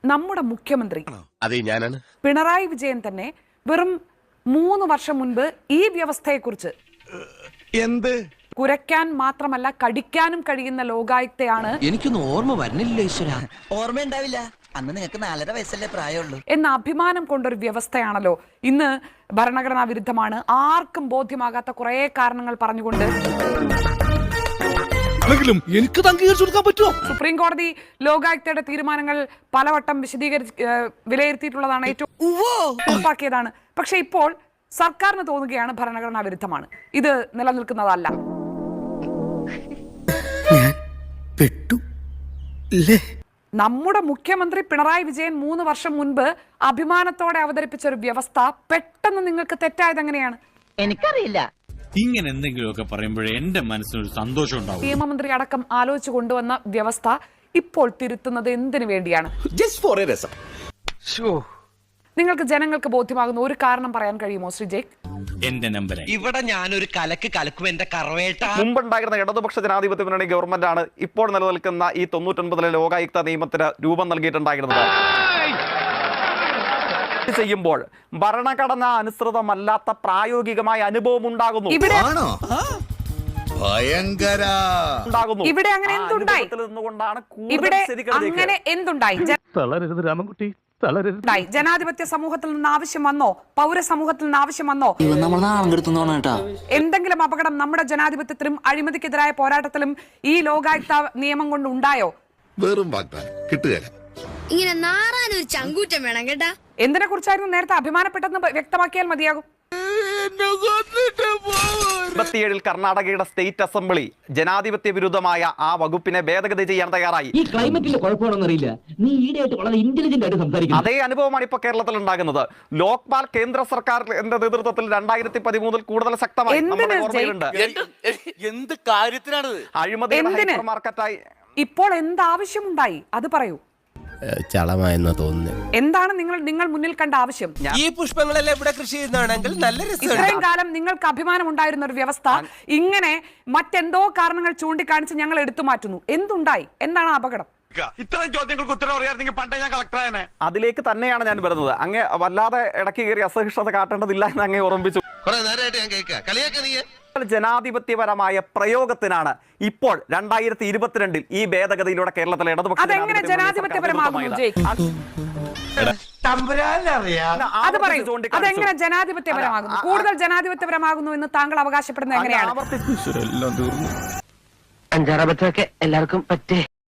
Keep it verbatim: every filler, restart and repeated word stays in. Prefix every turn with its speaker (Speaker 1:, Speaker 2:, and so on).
Speaker 1: നമ്മുടെ മുഖ്യമന്ത്രി
Speaker 2: അതെ ഞാനാണ്
Speaker 1: പിണറായി വിജയൻ തന്നെ വെറും മൂന്ന് വർഷം മുൻപ് ഈ വ്യവസ്ഥയെക്കുറിച്ച്
Speaker 3: എന്ത്
Speaker 1: കുരയ്ക്കാൻ മാത്രമല്ല കടിക്കാനും കഴിയുന്ന ലോകായുക്തയാണ്
Speaker 4: എനിക്കൊന്നും ഓർമ്മ വരുന്നില്ല ഈശ്വര.
Speaker 5: ഓർമ്മ ഉണ്ടാവില്ല, അന്ന് നിങ്ങൾക്ക് നാലര വയസ്സല്ലേ പ്രായമുള്ളൂ
Speaker 1: എന്ന അഭിമാനം കൊണ്ടൊരു വ്യവസ്ഥയാണല്ലോ ഇന്ന് ഭരണഘടനാ വിരുദ്ധമാണ്, ആർക്കും ബോധ്യമാകാത്ത കുറെ കാരണങ്ങൾ പറഞ്ഞുകൊണ്ട്
Speaker 3: എനിക്ക് അംഗീകരിച്ചു കൊടുക്കാൻ പറ്റുമോ?
Speaker 1: സുപ്രീം കോടതി ലോകായുക്തയുടെ തീരുമാനങ്ങൾ പലവട്ടം വിശദീകരിച്ച് വിലയിരുത്തിയിട്ടുള്ളതാണ്, ഏറ്റവും ഉറപ്പാക്കിയതാണ്. പക്ഷെ ഇപ്പോൾ സർക്കാരിന് തോന്നുകയാണ് ഭരണഘടനാ വിരുദ്ധമാണ്, ഇത് നിലനിൽക്കുന്നതല്ല. നമ്മുടെ മുഖ്യമന്ത്രി പിണറായി വിജയൻ മൂന്ന് വർഷം മുൻപ് അഭിമാനത്തോടെ അവതരിപ്പിച്ച ഒരു വ്യവസ്ഥ പെട്ടെന്ന് നിങ്ങൾക്ക് തെറ്റായത് എങ്ങനെയാണ്?
Speaker 5: എനിക്കറിയില്ല.
Speaker 6: ഇങ്ങനെ എന്തെങ്കിലുമൊക്കെ പറയുമ്പോഴേ എന്റെ മനസ്സിനൊരു സന്തോഷം ഉണ്ടാവും.
Speaker 1: നിയമമന്ത്രി അടക്കം ആലോചിച്ചു കൊണ്ടുവന്ന വ്യവസ്ഥ ഇപ്പോൾ തിരുത്തുന്നത് എന്തിനു വേണ്ടിയാണ്? നിങ്ങൾക്ക് ജനങ്ങൾക്ക് ബോധ്യമാകുന്ന ഒരു കാരണം പറയാൻ കഴിയുമോ ശ്രീ ജേക്ക്?
Speaker 6: എന്റെ നമ്പർ
Speaker 4: ഇവിടെ ഞാനൊരു കലക്ക് കലക്കും എന്റെ കറവേട്ട.
Speaker 7: മുമ്പുണ്ടായിരുന്ന ഇടതുപക്ഷ ജനാധിപത്യ മുന്നണി ഗവൺമെന്റ് ആണ് ഇപ്പോൾ നിലനിൽക്കുന്ന ഈ തൊണ്ണൂറ്റൊൻപതിലെ ലോകായുക്ത നിയമത്തിന് രൂപം നൽകിയിട്ടുണ്ടായിരുന്നത്. ചെയ്യുമ്പോൾ ഭരണഘടന അനുസൃതമല്ലാത്ത പ്രായോഗികമായ അനുഭവം ഉണ്ടാകുന്നു.
Speaker 1: ഇവിടെ
Speaker 3: ഭയങ്കര
Speaker 1: ഇവിടെ അങ്ങനെ എന്തുണ്ടായി? ഇവിടെ അങ്ങനെ എന്തുണ്ടായി? ജനാധിപത്യ സമൂഹത്തിൽ നിന്ന് ആവശ്യം വന്നോ? പൗര സമൂഹത്തിൽ നിന്ന് ആവശ്യം വന്നോ? എന്തെങ്കിലും അപകടം നമ്മുടെ ജനാധിപത്യത്തിലും അഴിമതിക്കെതിരായ പോരാട്ടത്തിലും ഈ ലോകായുക്ത നിയമം കൊണ്ട് ഉണ്ടായോ?
Speaker 3: വെറും വാഗ്ദാനം കിട്ടുകയില്ല.
Speaker 8: ഇങ്ങനെ നാറാനൊരു ചങ്കൂറ്റം വേണം കേട്ടാ.
Speaker 1: എന്തിനെ കുറിച്ചായിരുന്നു നേരത്തെ അഭിമാനപ്പെട്ടെന്ന് വ്യക്തമാക്കിയാൽ മതിയാകും.
Speaker 7: ഇരുപത്തിയേഴിൽ കർണാടകയുടെ സ്റ്റേറ്റ് അസംബ്ലി ജനാധിപത്യ വിരുദ്ധമായ ആ വകുപ്പിനെ ഭേദഗതി ചെയ്യാൻ തയ്യാറായി.
Speaker 9: ഈ ക്ലൈമറ്റിന്റെ കുഴപ്പമാണെന്നറിയില്ല, നീ ഈടെയായിട്ട് വളരെ ഇന്റലിജന്റ് ആയിട്ട് സംസാരിക്കുന്നു.
Speaker 7: അതേ അനുഭവമാണ് ഇപ്പൊ കേരളത്തിൽ ഉണ്ടാകുന്നത്. ലോക്പാൽ കേന്ദ്ര സർക്കാരിന്റെ നേതൃത്വത്തിൽ രണ്ടായിരത്തി പതിമൂന്നിൽ കൂടുതൽ ശക്തമായി നമ്മുടെ ഓർമ്മയിലുണ്ട്.
Speaker 2: എന്ത് കാര്യത്തിനാണ്
Speaker 7: അഴിമതിയുടെ ഹൈപ്പർ മാർക്കറ്റായി
Speaker 1: ഇപ്പോൾ എന്താവശ്യമുണ്ടായി അത് പറയൂ.
Speaker 4: ചളമായെന്നാ തോന്നുന്നു.
Speaker 1: എന്താണ് നിങ്ങൾ നിങ്ങൾ മുന്നിൽ കണ്ട ആവശ്യം?
Speaker 4: ഈ പുഷ്പങ്ങളെല്ലാം ഇവിടെ കൃഷി ചെയ്യുന്നതാണെങ്കിൽ നല്ല രസം.
Speaker 1: ഇത്രയും കാലം നിങ്ങൾക്ക് അഭിമാനം ഉണ്ടായിരുന്ന ഒരു വ്യവസ്ഥ ഇങ്ങനെ മറ്റെന്തോ കാരണങ്ങൾ ചൂണ്ടിക്കാണിച്ച് ഞങ്ങൾ എടുത്തു മാറ്റുന്നു. എന്തുണ്ടായി? എന്താണ് അപകടം?
Speaker 3: ഇത്തരം ചോദ്യങ്ങൾക്ക് ഉത്തരം അറിയാമെങ്കിൽ പണ്ടേ ഞാൻ കളക്ടറായനെ.
Speaker 7: അതിലേക്ക് തന്നെയാണ് ഞാൻ വരുന്നത്. അങ്ങേ വല്ലാതെ ഇടയ്ക്ക് കയറി അസഹിഷ്ണുത കാട്ടേണ്ടതില്ല എന്ന് അങ്ങേ ഓർമ്മിപ്പിച്ചു. ജനാധിപത്യപരമായ പ്രയോഗത്തിനാണ് ഇപ്പോൾ രണ്ടായിരത്തി ഇരുപത്തിരണ്ടിൽ ഈ ഭേദഗതിയിലൂടെ കേരളത്തിലെ ഇടതുപക്ഷ
Speaker 1: അതെങ്ങനെ ജനാധിപത്യപരമാകുന്നു? അത് പറയൂ, അതെങ്ങനെ ജനാധിപത്യപരമാകുന്നു? കൂടുതൽ ജനാധിപത്യപരമാകുന്നു എന്ന് താങ്കൾ അവകാശപ്പെടുന്നത് എങ്ങനെയാണ്?
Speaker 5: അഞ്ചാറബത്തൊക്കെ എല്ലാവർക്കും പറ്റേ.